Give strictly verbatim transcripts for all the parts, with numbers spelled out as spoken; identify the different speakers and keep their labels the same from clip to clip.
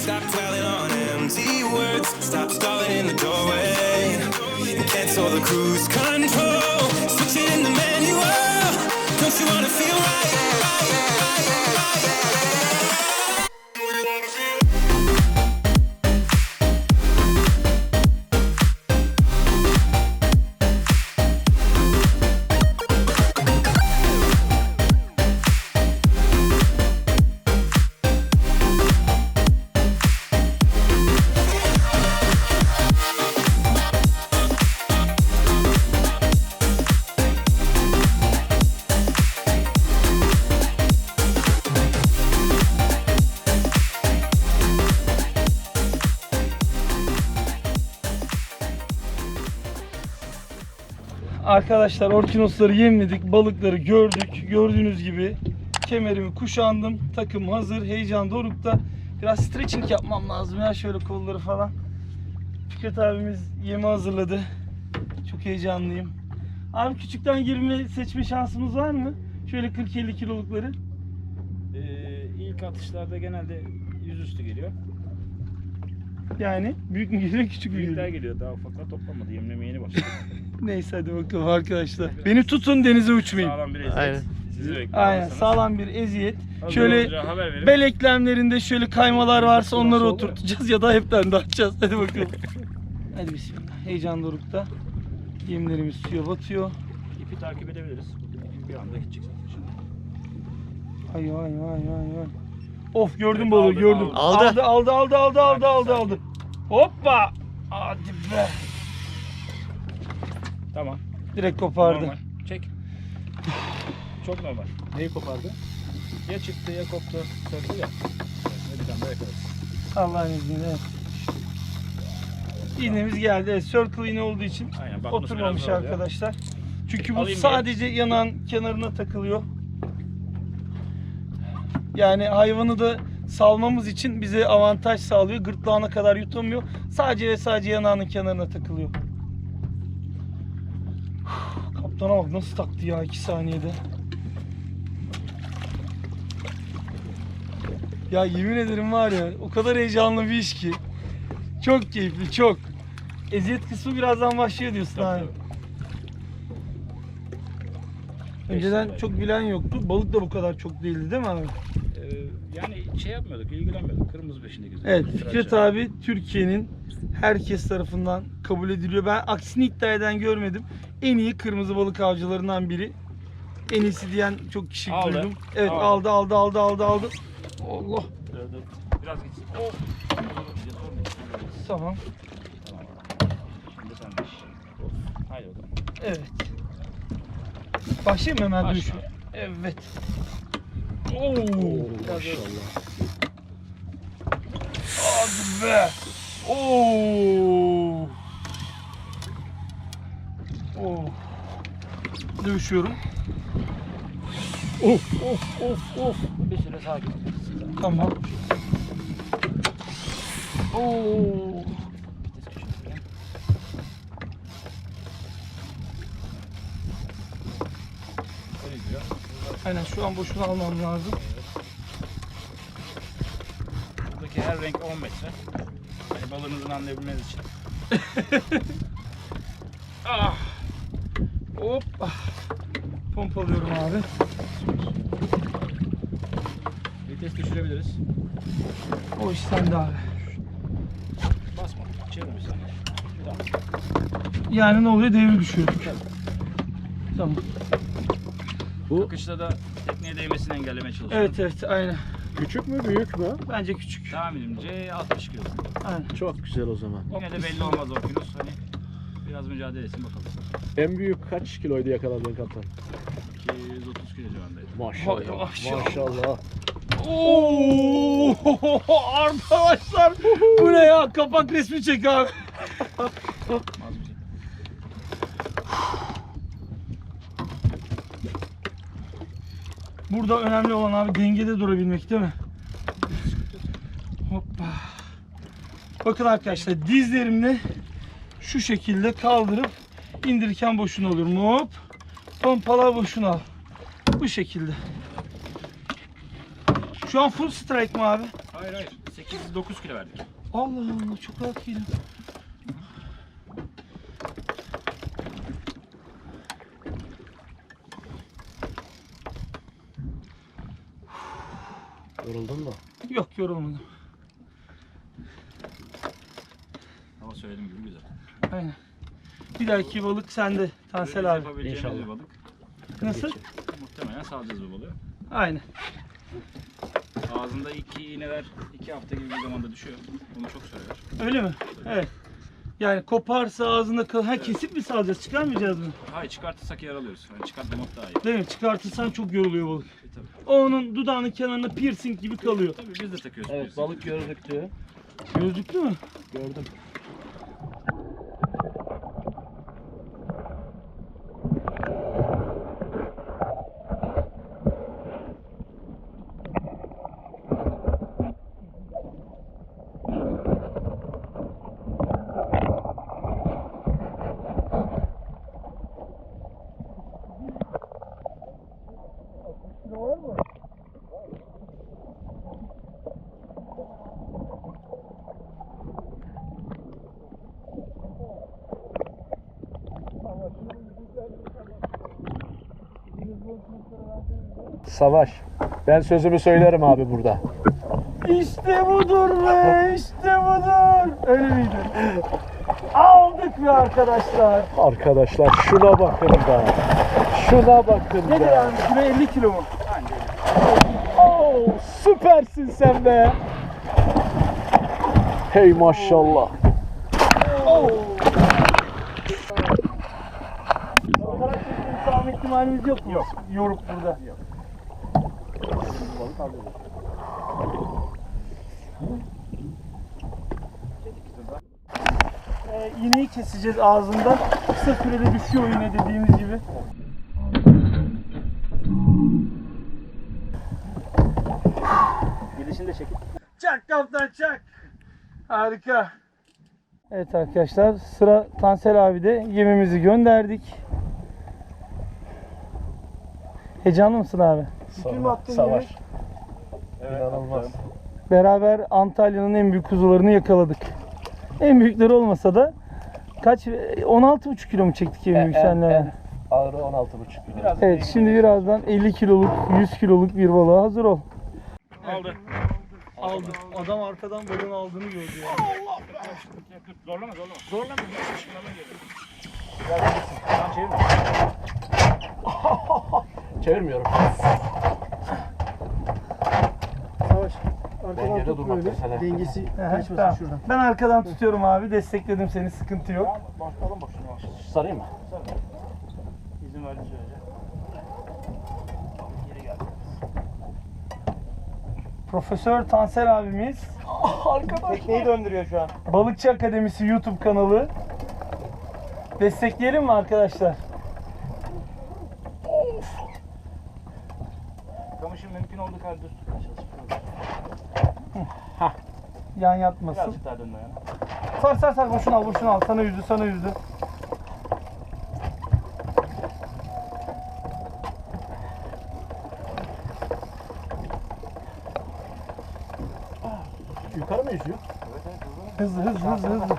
Speaker 1: Stop dwelling on empty words. Stop stalling in the doorway. Cancel the cruise control. Switch it in the manual. Don't you wanna feel right? right, right, right, right.
Speaker 2: Arkadaşlar orkinosları yemledik, balıkları gördük. Gördüğünüz gibi kemerimi kuşandım. Takım hazır, heyecan dorukta. Biraz stretching yapmam lazım ya, şöyle kolları falan. Fikret abimiz yemi hazırladı. Çok heyecanlıyım. Abi küçükten yirmi seçme şansımız var mı? Şöyle kırk elli kilolukları.
Speaker 3: Ee, ilk atışlarda genelde yüzüstü geliyor.
Speaker 2: Yani büyük mü geliyor, küçük mü
Speaker 3: Büyükler
Speaker 2: geliyor?
Speaker 3: geliyor. Daha ufaklar toplamadı. Yemlemeye yeni başladı.
Speaker 2: Neyse hadi bakalım arkadaşlar. Beni tutun, denize uçmayın.
Speaker 3: Sağlam bir eziyet.
Speaker 4: Aynen.
Speaker 3: Sizi bekliyorum.
Speaker 2: Aynen, sağlam bir eziyet.
Speaker 3: Hazır
Speaker 2: Şöyle
Speaker 3: olunca haber verin.
Speaker 2: bel eklemlerinde şöyle kaymalar varsa onları
Speaker 3: Nasıl olur?
Speaker 2: oturtacağız ya da hepten de atacağız. Hadi bakalım. Hadi bismillah. Heyecan dorukta. Yemlerimiz suya batıyor.
Speaker 3: İpi takip edebiliriz. İpi bir anda gidecek zaten şimdi.
Speaker 2: Ay ay ay ay ay. Of, gördüm
Speaker 3: Evet,
Speaker 2: balığı,
Speaker 3: aldı,
Speaker 2: gördüm.
Speaker 4: aldı.
Speaker 2: Aldı aldı aldı aldı aldı
Speaker 3: Sakin,
Speaker 2: aldı
Speaker 3: sakin.
Speaker 2: aldı. Hoppa. Hadi be.
Speaker 3: Tamam.
Speaker 2: Direkt kopardı.
Speaker 3: Normal. Çek. Çok normal. Neyi kopardı? Ya çıktı ya koptu. Söktü ya. Şimdi bir tane daha yakarız.
Speaker 2: Allah'ın izniyle. İğnemiz geldi. Evet, circle iğne olduğu için
Speaker 3: Aynen, bakması
Speaker 2: oturmamış
Speaker 3: biraz zor oluyor.
Speaker 2: arkadaşlar. Çünkü bu
Speaker 3: Alayım
Speaker 2: sadece yanağın kenarına takılıyor. Yani hayvanı da salmamız için bize avantaj sağlıyor. Gırtlağına kadar yutamıyor. Sadece ve sadece yanağının kenarına takılıyor. Kaptana bak nasıl taktı ya iki saniyede. Ya yemin ederim var ya, o kadar heyecanlı bir iş ki. Çok keyifli, çok. Eziyet kısmı birazdan başlıyor diyorsun
Speaker 3: Tabii,
Speaker 2: abi.
Speaker 3: tabii.
Speaker 2: Önceden
Speaker 3: Beş
Speaker 2: çok
Speaker 3: sene.
Speaker 2: bilen yoktu. Balık da bu kadar çok değildi değil mi abi?
Speaker 3: Ee, yani şey yapmıyorduk, ilgilenmiyorduk. Kırmızı peşinde geziyorduk.
Speaker 2: Evet,
Speaker 3: Tıraş
Speaker 2: Fikret
Speaker 3: yani.
Speaker 2: abi Türkiye'nin herkes tarafından kabul ediliyor. Ben aksini iddia eden görmedim. En iyi kırmızı balık avcılarından biri. En iyisi diyen çok kişi
Speaker 3: Aldı.
Speaker 2: duydum. Evet,
Speaker 3: Aldı.
Speaker 2: aldı aldı aldı aldı aldı. Allah.
Speaker 3: Dur, dur. Biraz gitsin. Oh.
Speaker 2: Tamam.
Speaker 3: Tamam. Şimdi sen de iş. Of. Haydi bakalım.
Speaker 2: Evet. Başlayayım mı hemen
Speaker 3: Başla.
Speaker 2: dönüşü? Evet. Oo.
Speaker 4: Maşallah.
Speaker 2: Hadi be. Oo. Oo. Dövüşüyorum. Of of of of.
Speaker 3: Bir süre sakin ol.
Speaker 2: Tamam. Oo.
Speaker 3: Vites köşesine. Öyle gidiyor.
Speaker 2: Aynen, şu an boşuna almam lazım.
Speaker 3: Buradaki her renk on metre. Hani balığınızın anlayabilmeniz için.
Speaker 2: Ah. Hop. Ah. Pompalıyorum abi.
Speaker 3: Vites düşürebiliriz.
Speaker 2: O iş sende abi.
Speaker 3: Basma. Çevir bir saniye. Tamam.
Speaker 2: Yani ne oluyor? Devir düşüyor. Tamam.
Speaker 4: Bu
Speaker 3: Akışta da tekneye değmesini engellemeye çalışıyorum.
Speaker 2: Evet evet aynen.
Speaker 4: küçük mü büyük mü?
Speaker 2: Bence küçük.
Speaker 3: Tahminimce altmış kilo.
Speaker 2: Aynen.
Speaker 4: Çok güzel o zaman.
Speaker 3: Yine de belli olmaz o kilosu. Hani biraz mücadele etsin bakalım.
Speaker 4: En büyük kaç kiloydu yakaladığın kaptan?
Speaker 3: iki yüz otuz kilo civarındaydı.
Speaker 4: Maşallah.
Speaker 2: Vay, maşallah.
Speaker 4: Maşallah.
Speaker 2: Oo! Arkadaşlar bu ne ya? Kapak resmi çek abi.
Speaker 3: Az bir şey.
Speaker 2: Burada önemli olan abi dengede durabilmek değil mi? Hoppa. Bakın arkadaşlar, dizlerimle şu şekilde kaldırıp indirirken boşuna olurum. Hop. Pompala boşuna al. Bu şekilde. Şu an full strike mi abi?
Speaker 3: Hayır hayır. sekiz dokuz kilo verdik.
Speaker 2: Allah Allah çok rahat geliyor.
Speaker 4: Yoruldun mu?
Speaker 2: Yok yorulmadım.
Speaker 3: Ama söylediğim gibi güzel.
Speaker 2: Aynen. Bir dahaki balık sende Tansel abi.
Speaker 3: Yapabileceğimiz
Speaker 4: İnşallah.
Speaker 3: bir balık.
Speaker 2: Nasıl?
Speaker 3: Muhtemelen salacağız bu balığı.
Speaker 2: Aynen.
Speaker 3: Ağzında iki iğneler iki hafta gibi bir zamanda düşüyor. Bunu çok söyler.
Speaker 2: Öyle mi? Evet. Yani koparsa ağzında kal. Ha kesip mi salacağız? Çıkarmayacağız mı?
Speaker 3: Hayır, çıkartırsak yaralıyoruz. Yani çıkartmamak daha iyi.
Speaker 2: Değil mi? Çıkartırsan çok yoruluyor balık.
Speaker 3: E, tabii.
Speaker 2: O onun dudağının kenarında piercing gibi kalıyor.
Speaker 3: Tabii biz de takıyoruz.
Speaker 4: Evet,
Speaker 3: biz.
Speaker 4: balık gözlüktü.
Speaker 2: Gözlüklü mü?
Speaker 4: Gördüm. Savaş. Ben sözümü söylerim abi burada.
Speaker 2: İşte budur be, işte budur. Öyle miydi? Aldık be arkadaşlar.
Speaker 4: Arkadaşlar şuna bakın da. Şuna bakın
Speaker 2: Nedir
Speaker 4: da.
Speaker 2: abi? Kilo elli kilo mu?
Speaker 4: Oo, süpersin sen be. Hey maşallah.
Speaker 2: Oo. Sağlam ihtimalimiz yok mu? Yok. Yoruk burada. Yok. Ee, iğneyi keseceğiz ağzından. Kısa sürede düşüyor iğne dediğimiz gibi.
Speaker 3: Gidişini de çekip.
Speaker 2: Çak kaptan çak. Harika. Evet arkadaşlar sıra Tansel abi de yemimizi gönderdik. Heyecanlı mısın abi?
Speaker 4: Savaş. Savaş. İnanılmaz.
Speaker 2: Beraber Antalya'nın en büyük kuzularını yakaladık. En büyükleri olmasa da kaç on altı buçuk kilo mu çektik en büyük senle?
Speaker 4: Ağrı on altı buçuk kilo.
Speaker 2: Evet şimdi birazdan elli kiloluk yüz kiloluk bir balığa hazır ol.
Speaker 3: Aldı.
Speaker 2: Aldı. Adam arkadan balığın aldığını gördü ya.
Speaker 3: Zorlama zorlama. Zorlama. Şunlardan geliyor. Tamam çevirme.
Speaker 4: Çevirmiyorum.
Speaker 5: Savaş.
Speaker 4: Dengede
Speaker 5: Arkadan tut
Speaker 4: durmak
Speaker 5: böyle.
Speaker 4: mesele.
Speaker 5: Dengesi
Speaker 2: Aha,
Speaker 5: kaçmasın
Speaker 2: tamam.
Speaker 5: şuradan.
Speaker 2: Ben arkadan tutuyorum abi. Destekledim seni. Sıkıntı yok.
Speaker 3: Başlayalım boşuna yavaş.
Speaker 4: Sarayım mı?
Speaker 3: İzin verdi sürece. Geri gel.
Speaker 2: Profesör Tansel abimiz
Speaker 5: Tekneyi döndürüyor şu an.
Speaker 2: Balıkçı Akademisi YouTube kanalı. Destekleyelim mi arkadaşlar?
Speaker 3: Kamışın mümkün olduğu kadar düz tutmaya çalışıyorum.
Speaker 2: Yan yatmasın.
Speaker 3: Birazcık daha dönme yana.
Speaker 2: Sar sar sar boşuna al boşuna al. Sana yüzdü sana yüzdü.
Speaker 4: Yukarı mı yüzüyor?
Speaker 2: Hızlı hızlı hızlı hızlı.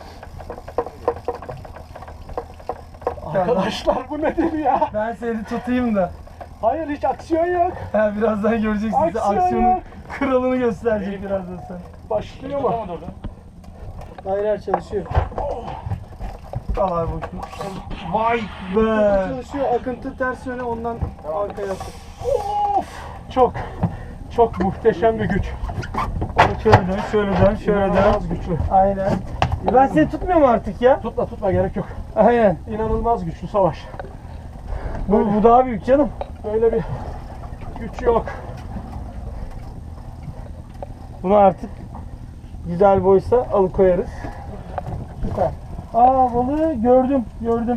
Speaker 4: Arkadaşlar bu nedir ya?
Speaker 2: Ben seni tutayım da.
Speaker 4: Hayır hiç aksiyon yok.
Speaker 2: Ha, birazdan göreceksin. Size
Speaker 4: Aksiyon
Speaker 2: aksiyonun
Speaker 4: yok.
Speaker 2: kralını gösterecek birazdan sen.
Speaker 4: Başlıyor mu?
Speaker 3: Tutamadı orada.
Speaker 5: Hayır hayır çalışıyor.
Speaker 2: Al abi boşuna. Vay be.
Speaker 5: Çalışıyor. Akıntı ters yöne ondan arkaya attı.
Speaker 4: Of! Çok çok muhteşem bir güç.
Speaker 2: Şöyle dön, şöyle dön, şöyle dön.
Speaker 4: İnanılmaz güçlü.
Speaker 2: Aynen. E ben seni tutmuyorum artık ya.
Speaker 4: Tutma tutma gerek yok.
Speaker 2: Aynen.
Speaker 4: İnanılmaz güçlü Savaş.
Speaker 2: Bu, bu daha büyük canım.
Speaker 4: Böyle bir güç yok.
Speaker 2: Bunu artık güzel boysa alıkoyarız. Süper. Aa balığı gördüm, gördüm.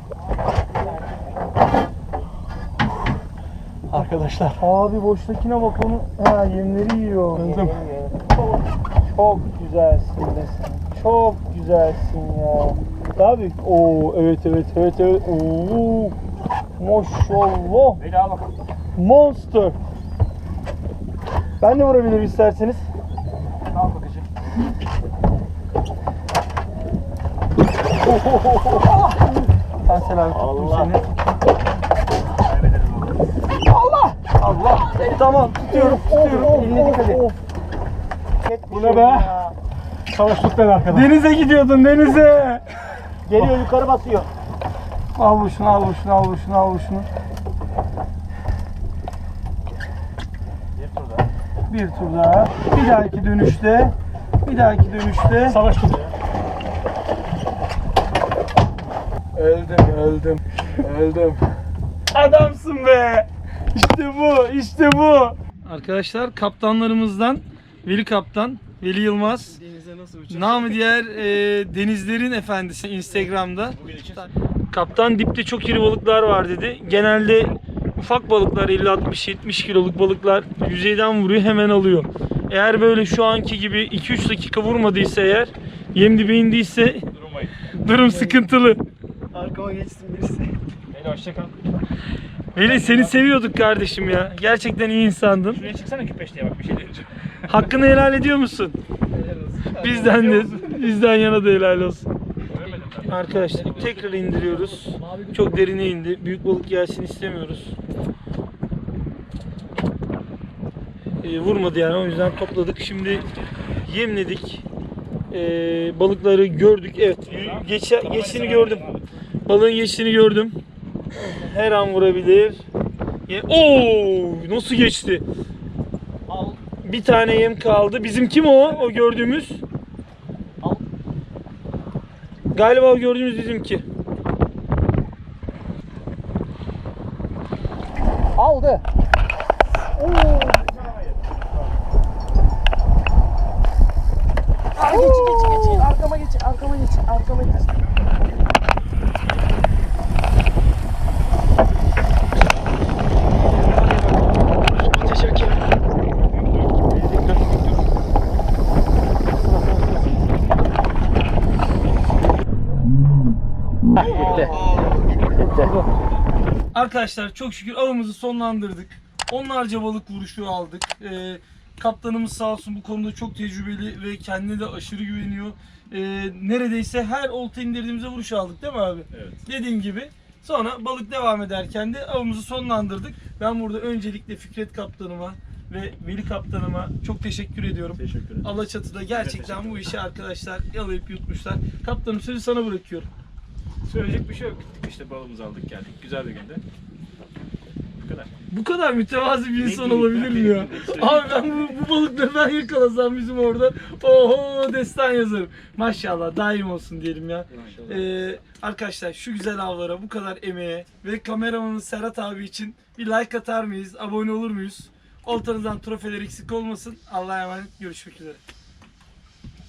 Speaker 4: Arkadaşlar.
Speaker 2: Abi boştakine bak onu. Ha yemleri yiyor.
Speaker 4: Kızım.
Speaker 2: Çok güzelsin be sen. Çok güzelsin ya. Daha büyük. Oo evet evet evet evet. Oo. Maşallah.
Speaker 3: Beni al bakalım.
Speaker 2: Monster. Ben de vurabilirim isterseniz. Tansel abi tuttum
Speaker 4: Allah.
Speaker 2: seni. Allah! Allah! Tamam tutuyorum tutuyorum. Eline dikkat et.
Speaker 4: Bu ne be? Savaş tut beni arkadan.
Speaker 2: Denize gidiyordun denize.
Speaker 5: Geliyor yukarı basıyor.
Speaker 2: Al bu şunu al bu şunu al bu şunu al bu şunu. Bir tur daha. Bir dahaki dönüşte. Bir dahaki dönüşte.
Speaker 4: Savaş tut ya.
Speaker 2: Öldüm öldüm. Öldüm. Adamsın be. İşte bu işte bu. Arkadaşlar kaptanlarımızdan Veli Kaptan, Veli Yılmaz.
Speaker 5: Denize nasıl uçacak?
Speaker 2: Namı diğer e, denizlerin efendisi Instagram'da. Kaptan dipte çok iri balıklar var dedi. Genelde ufak balıklar elli altmış yetmiş kiloluk balıklar yüzeyden vuruyor hemen alıyor. Eğer böyle şu anki gibi iki üç dakika vurmadıysa eğer yem dibe indiyse
Speaker 3: Durmayın.
Speaker 2: durum sıkıntılı.
Speaker 5: Arkama geçsin birisi.
Speaker 3: Beyler hoşça kal.
Speaker 2: Veli seni seviyorduk kardeşim ya. Gerçekten iyi insandın.
Speaker 3: Şuraya çıksana küpeş diye bak bir şey diyeceğim.
Speaker 2: Hakkını helal ediyor musun? Bizden de bizden yana da helal olsun.
Speaker 3: Göremedim ben.
Speaker 2: Arkadaşlar tekrar indiriyoruz. Çok derine indi. Büyük balık gelsin istemiyoruz. Ee, vurmadı yani o yüzden topladık. Şimdi yemledik. Ee, balıkları gördük. Evet geç, geçtiğini gördüm. Balığın geçtiğini gördüm. Her an vurabilir. Ye- Oo, nasıl geçti? Bir tane yem kaldı. Bizim kim o? O gördüğümüz. Galiba o gördüğümüz bizimki.
Speaker 5: Aldı. Aa, geç geç geç. Arkama geç. Arkama geç. Arkama geç.
Speaker 2: Arkadaşlar çok şükür avımızı sonlandırdık. Onlarca balık vuruşu aldık. Ee, kaptanımız sağ olsun bu konuda çok tecrübeli ve kendine de aşırı güveniyor. Ee, neredeyse her olta indirdiğimizde vuruş aldık değil mi abi?
Speaker 3: Evet.
Speaker 2: Dediğim gibi. Sonra balık devam ederken de avımızı sonlandırdık. Ben burada öncelikle Fikret kaptanıma ve Veli kaptanıma çok teşekkür ediyorum.
Speaker 3: Teşekkür ederim.
Speaker 2: Alaçatı'da gerçekten bu işi arkadaşlar yalayıp yutmuşlar. Kaptanım sözü sana bırakıyorum.
Speaker 3: Söyleyecek bir şey yok. Gittik işte balığımızı aldık geldik. Güzel bir günde. Bu kadar.
Speaker 2: Bu kadar mütevazi bir insan
Speaker 3: Ne
Speaker 2: olabilir mi ya? Abi ben bu, bu balıkları ben yakalasam bizim orada oho destan yazarım. Maşallah daim olsun diyelim ya. Ee, arkadaşlar şu güzel avlara bu kadar emeğe ve kameramanın Serhat abi için bir like atar mıyız? Abone olur muyuz? Oltanızdan trofeler eksik olmasın. Allah'a emanet, görüşmek üzere.